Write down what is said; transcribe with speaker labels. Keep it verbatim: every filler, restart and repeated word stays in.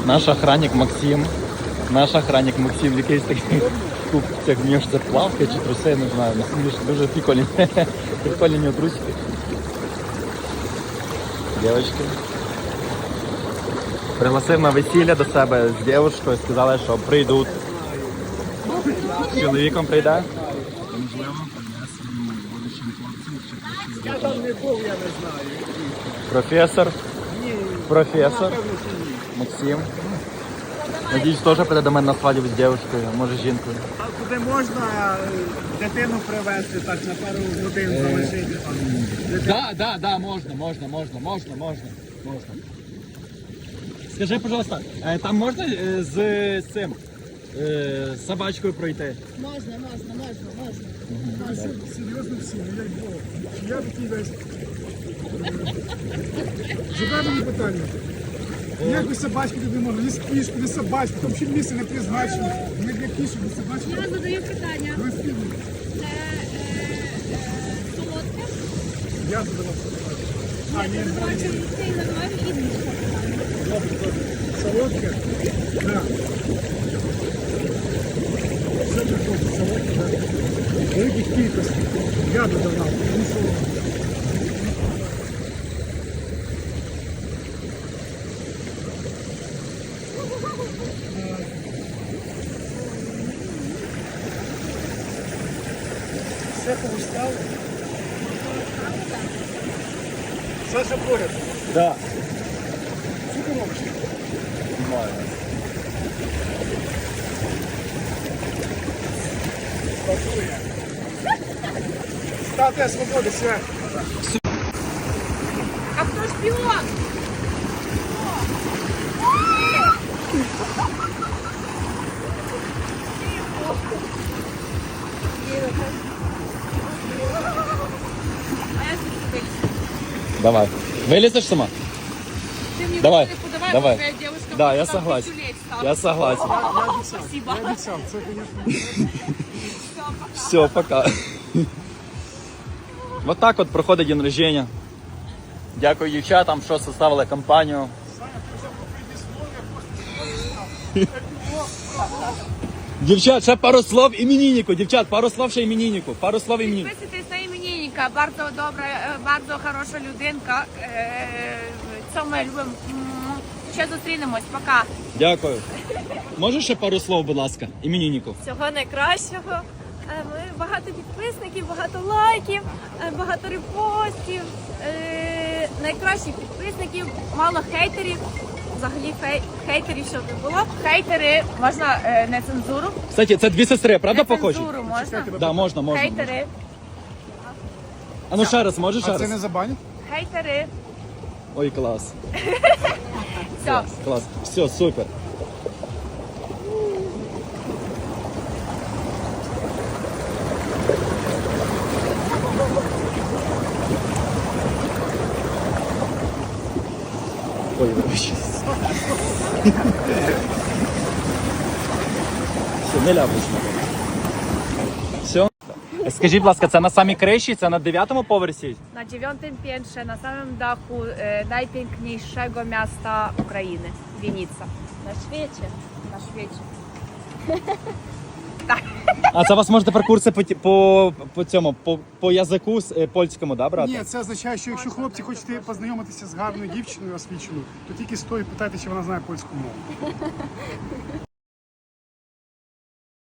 Speaker 1: Наш охранник Максим. Наш охранник Максим, якийсь такий купцях, в нього ж це плавка чи труси, не знаю. Дуже прикольні. Прикольні у нього трусики. Дівчатки. Пригласив на весілля до себе з дівчинкою, сказали, що прийдуть. З чоловіком прийде.
Speaker 2: Я там не був, я не знаю.
Speaker 1: Професор.
Speaker 2: Ні,
Speaker 1: Професор.
Speaker 2: напевно, що ні.
Speaker 1: Максим. Надіюсь, теж прийде до мене на свадьбу з дівчинкою, може з жінкою.
Speaker 2: А куди можна е, дитину привезти так на пару годин залишити там?
Speaker 1: Да, да, да, можна, можна, можна, можна, можна, можна. Скажи, пожалуйста, е, там можна е, з, з цим, е, з собачкою пройти?
Speaker 3: Можна, можна, можна, можна.
Speaker 2: А, серйозно всі, ну як Бог. Я такий весь. Задай мені питання. Як ви собачки туди можна? Ні кішки, ні собачки, там ще місце не призначене. Не для кішок, ні собачки.
Speaker 3: Я задаю питання.
Speaker 2: Ви спільні.
Speaker 3: Це е, е, солодке?
Speaker 2: Я задавав собачки. А, ні,
Speaker 3: Я бачу, цей називаю іншого питання.
Speaker 2: добре, добре. Солодке? Так. Все приходить, солодке, так. Великих кількостей. Я додавав, не солодке. Все повистало? Саша поряд.
Speaker 1: Да.
Speaker 2: Що ти робиш? Статуя. Статуя свободи, все.
Speaker 3: А хто шпіон? А я тут
Speaker 1: Давай. Вылезешь сама?
Speaker 3: Ты мне
Speaker 1: Давай,
Speaker 3: руки подавай,
Speaker 1: давай.
Speaker 3: какая девушка.
Speaker 1: Да,
Speaker 3: будет
Speaker 1: я
Speaker 3: там
Speaker 1: согласен.
Speaker 3: пистолет ставить.
Speaker 1: Я согласен.
Speaker 2: Я обіцяв.
Speaker 3: Спасибо.
Speaker 2: Я обіцяв. Це, звісно.
Speaker 1: Все, пока. Вот так от проходить день рождения. Дякую дівчатам, що составили компанію. Дівчат, ще пару слов імениннику. Дівчат, пару слов ще імениннику. Пару слов імениннику.
Speaker 3: Підписуйтесь на іменинника, bardzo добра, е, bardzo хороша людинка. Е, Це ми любимо. М, Ще зустрінемось, пока.
Speaker 1: Дякую. Можеш ще пару слов, будь ласка, імениннику?
Speaker 4: Всього найкращого. Е, Ми багато підписників, багато лайків, е, багато репостів, е, найкращих підписників, мало хейтерів. Взагалі фей- хейтерів, щоб не було.
Speaker 3: Хейтери, можна е, не цензуру?
Speaker 1: Кстати, це дві сестри, правда
Speaker 3: Не
Speaker 1: похожі?
Speaker 3: цензуру можна?
Speaker 1: Да, можна, можна.
Speaker 3: Хейтери,
Speaker 1: А ну ще раз, можеш ще
Speaker 2: А це не
Speaker 1: раз?
Speaker 2: забанять?
Speaker 3: хейтери.
Speaker 1: Ой, клас.
Speaker 3: Все.
Speaker 1: Клас. Все, супер. Ой, вибачте. Все, не ляпусь. Все. Скажіть, будь ласка, це на самій криші, це на дев'ятому поверсі?
Speaker 3: Na dziewiątym piętrze, na samym dachu e, najpiękniejszego miasta Ukrainy, Wienica.
Speaker 4: На світі.
Speaker 3: Na świecie.
Speaker 1: А це у вас може тепер курси по, ті- по, по цьому, по, по язику с- е, польському, да, брати?
Speaker 2: Ні, це означає, що якщо хлопці хочете познайомитися з гарною дівчиною освіченою, то тільки стоїть питати, чи вона знає польську мову.